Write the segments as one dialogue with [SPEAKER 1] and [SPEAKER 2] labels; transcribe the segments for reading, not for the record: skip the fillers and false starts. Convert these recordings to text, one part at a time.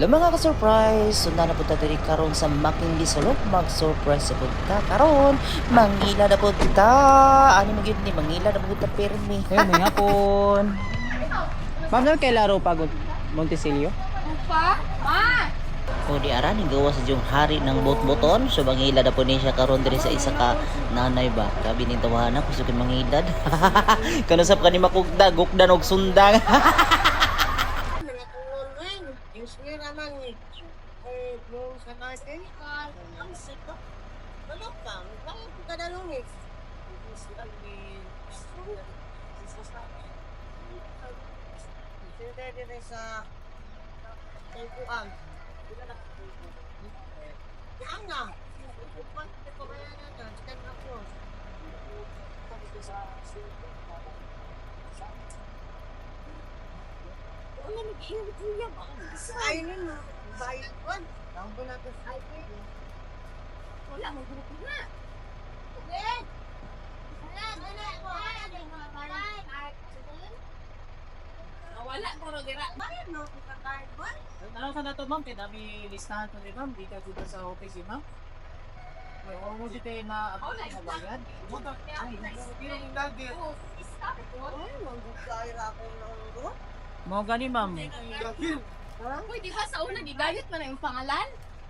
[SPEAKER 1] Hello mga ka-surprise! Sunda na punta diri karon sa Making Bisolok. Mag-surprise sa punta karon. Mangila na punta. Ano mo yun ni Mangila na punta permi.
[SPEAKER 2] Ayun, may hapon. Ma'am, saan kay laro pagod? Montesilio?
[SPEAKER 3] Pa? Ma!
[SPEAKER 1] O di ara ning gawa sa jung hari ng bot-boton. So mangila na po ni siya karon diri sa isa ka nanay ba. Kabi ning tawahan ako sa mangilad. Kanusap ka ni makugda, gukdan og sundang.
[SPEAKER 4] Sa tungkuan. Yan na. Upan ko kaya na ito. Chicken ako. Wala nag-iwit niya ba? Ay, nun. Bayad ko. Tawag ko na ito sa highway. Wala mo grupo na. Hindi. Wala.
[SPEAKER 3] Wala ko ro dira.
[SPEAKER 4] Bayad mo kung kakahit mo.
[SPEAKER 2] Ano sa nato, ma'am? Kaya dami listahan to ni ma'am. Di ka dito sa office, ma'am. May oras dito na abot na bayad.
[SPEAKER 4] Pero yung lagi. Ay, mag-gukayra ako ng grupo.
[SPEAKER 2] Mo gani, ma'am.
[SPEAKER 3] Uy, di ba sa una gigayot man ang pangalan?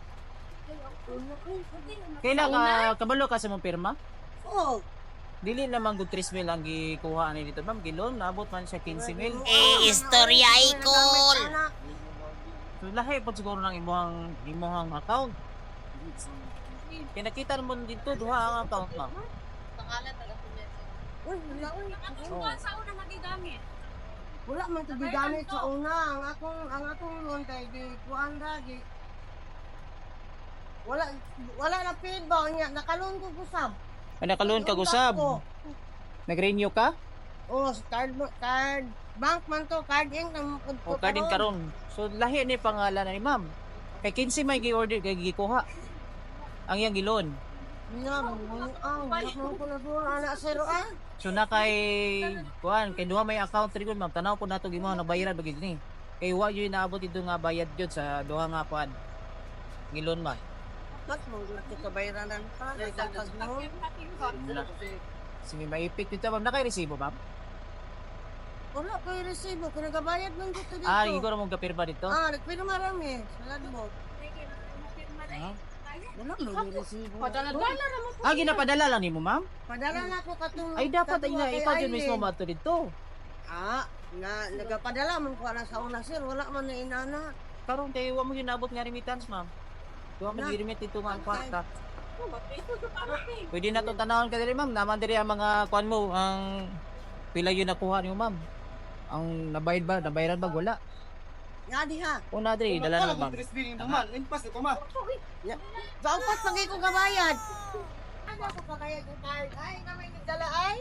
[SPEAKER 2] Kailan ka kabalo ka sa mong pirma?
[SPEAKER 4] Oo.
[SPEAKER 2] Dili naman good 3 mil ang gikuha ni dito, ma'am. Gilon, naabot man siya 15 mil.
[SPEAKER 1] Istorya ikol.
[SPEAKER 2] So lahi po siguro ng imuhang account. Kaya nakita mo dito, duha ang account, ma'am.
[SPEAKER 3] Pangalan taga punya.
[SPEAKER 4] Uy, wala uy.
[SPEAKER 3] Ang sa una nagigamit.
[SPEAKER 4] Wala man ito gigamit sa una. Ang akong loan tayo, di kuhaan lagi. Wala na paid ba? Nakaloan ko kusab.
[SPEAKER 2] Ay, nakaloon ka gusab. Nag-renew ka?
[SPEAKER 4] Oo, card bank man to, card ink.
[SPEAKER 2] O ka din karon. So lahi ni pangalan ni ma'am. Kay 15 may gi-order kay gikuha. Ang yang gilon.
[SPEAKER 4] Wala ko na doon, anak zero ah.
[SPEAKER 2] So na kay kuan kay duha may account rin ma'am. Tanaw po nato gimo na bayaran bagid ni. Kay wa gyud naabot dito nga bayad jud sa duha nga kuan. Gilon man.
[SPEAKER 4] Mas mo ito kabayranan pa. Nagdagdag mo.
[SPEAKER 2] Sige maipit dito ma'am. Nakay resibo ma'am?
[SPEAKER 4] Wala ko yung resibo. Pinagabayad lang dito dito.
[SPEAKER 2] Ah, iguro mo gapirma dito.
[SPEAKER 4] Nagpino marami. Salad mo.
[SPEAKER 2] Ah,
[SPEAKER 4] Wala mo yung resibo.
[SPEAKER 3] Padala-dala ra mo po.
[SPEAKER 2] ginapadala lang nimo ma'am?
[SPEAKER 4] Padala na ako katong...
[SPEAKER 2] Ay dapat
[SPEAKER 4] katong
[SPEAKER 2] ina
[SPEAKER 4] kay
[SPEAKER 2] ikaw jud
[SPEAKER 4] Aileen.
[SPEAKER 2] mismo mato dito.
[SPEAKER 4] Nagapadala man ko na sa una sir. Wala man na inana.
[SPEAKER 2] Karon kay wa mo ginabot nga remittance ma'am. Duha man gi-remit dito nga ang kwarta. Pwede na to tanawon ka diri ma'am. Naman diri ang mga kuan mo ang pila yun nakuha niyo ma'am. Ang nabayad ba? Nabayaran ba? Wala.
[SPEAKER 4] Nga di ha.
[SPEAKER 2] Una diri dala na ma'am.
[SPEAKER 4] Baupat pagay ko kabayad. Ano ko kabayad yung card? Ay, na may nagdala ay.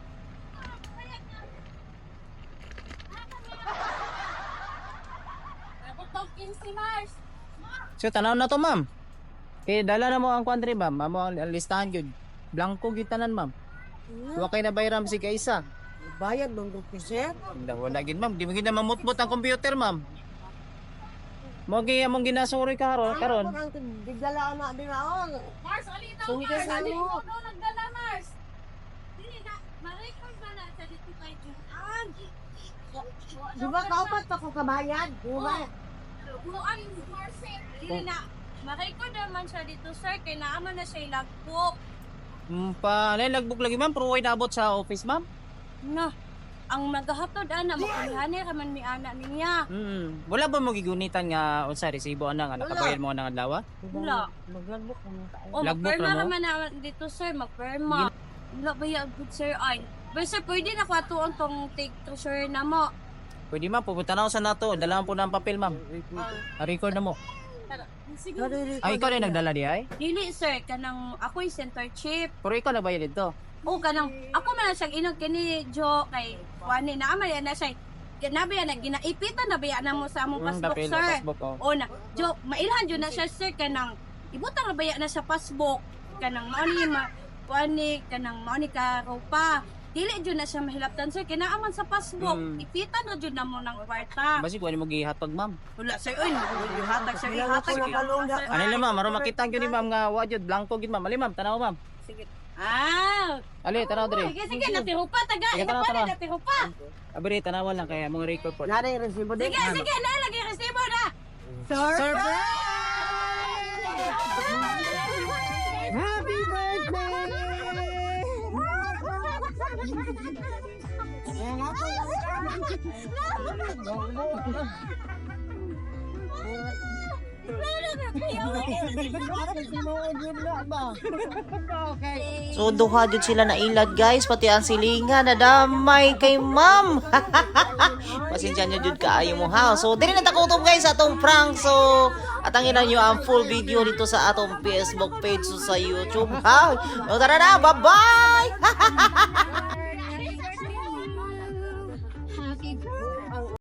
[SPEAKER 3] Abot tong 15 Mars.
[SPEAKER 2] So tanaw na to ma'am. Kay dala na mo ang kuan diri ma'am. Amo ang listahan gyud. Blanco gyud tanan ma'am. Wa kay nabayaran si kaisa.
[SPEAKER 4] Bayad ng grupo sir.
[SPEAKER 2] Wala gid ma'am. Di mo gid na mamutmot ang computer ma'am. Mo gi among ginasuri karon.
[SPEAKER 4] Ang bigdala na di na oh.
[SPEAKER 3] Mars, alita
[SPEAKER 4] So,
[SPEAKER 3] Mars.
[SPEAKER 4] hindi ka
[SPEAKER 3] Alita
[SPEAKER 4] ano?
[SPEAKER 3] mo nagdala Mars. Dili na, ma-record ba na sa dito kay Juan?
[SPEAKER 4] Di ba kaupat pa ko kabayad? Di ba?
[SPEAKER 3] Kuan Mars, dili na. Ma-record naman siya dito sir, kay naaman na siya ilagpok.
[SPEAKER 2] Pa lagbuk lagi ma'am. Pero way naabot sa office ma'am.
[SPEAKER 3] Na, ang naghatod ana makulihanay raman mi ana niya.
[SPEAKER 2] Wala ba mo gigunitan nga unsa resibo ana nga nakabayad mo nga adlaw?
[SPEAKER 3] Wala.
[SPEAKER 4] Maglambok mo tayo.
[SPEAKER 3] O,
[SPEAKER 2] Logbook
[SPEAKER 3] magperma
[SPEAKER 2] na mo?
[SPEAKER 3] naman na dito, sir. Magperma. Wala ba yung good, sir? Ay. But, sir, pwede na kwatuon tong take to, sir, na mo.
[SPEAKER 2] Pwede ma'am, pupunta na ako sa nato. Dalahan po na ang papel ma'am. Record na mo.
[SPEAKER 3] Siguro.
[SPEAKER 2] Ay, ikaw rin nagdala di ay?
[SPEAKER 3] Dili, sir. Kanang ako'y center chief.
[SPEAKER 2] Pero ikaw nagbayad dito.
[SPEAKER 3] O, kanang, ako man siyang inog kini, Jo, kay Wani, naamay na siya. Nabiya na, ginaipitan na biya na mo sa among passbook,
[SPEAKER 2] Papel,
[SPEAKER 3] sir.
[SPEAKER 2] passbook, oh.
[SPEAKER 3] O, na, Jo, mailhan dyan na siya, sir, kanang, ibutang na baya na sa passbook. Kanang, mauni, kanang, mauni ka, ropa. dili jud na siya mahilaptan sir kinaaman sa passbook
[SPEAKER 2] Mm.
[SPEAKER 3] ipitan na jud na mo ng kwarta.
[SPEAKER 2] Basi kuha mo gihatag ma'am.
[SPEAKER 3] Wala sir oy hatag sir hatag.
[SPEAKER 2] Ano lang ma'am, aron makita gyud ni ma'am nga wa jud blanco gyud ma'am. Ali ma'am, tanaw ma'am.
[SPEAKER 3] Sige. Ah.
[SPEAKER 2] Ali, tanaw dire.
[SPEAKER 3] Sige sige natiro pa taga.
[SPEAKER 2] Sige, tara,
[SPEAKER 3] Ina pa
[SPEAKER 2] tara.
[SPEAKER 3] natiro pa.
[SPEAKER 2] Abri tanawan lang kaya mong record po.
[SPEAKER 4] Nara yung resibo din.
[SPEAKER 3] Sige sige na lagi resibo na.
[SPEAKER 2] Surprise!
[SPEAKER 4] Happy birthday!
[SPEAKER 1] So duha jud sila na ilad guys, pati ang silingan na damay kay ma'am. Pasensya nyo jud kaayo mo ha. So dili na takutob guys sa atong prank. So atangin na nyo ang full video dito sa atong Facebook page so sa YouTube ha. O tara na, bye-bye.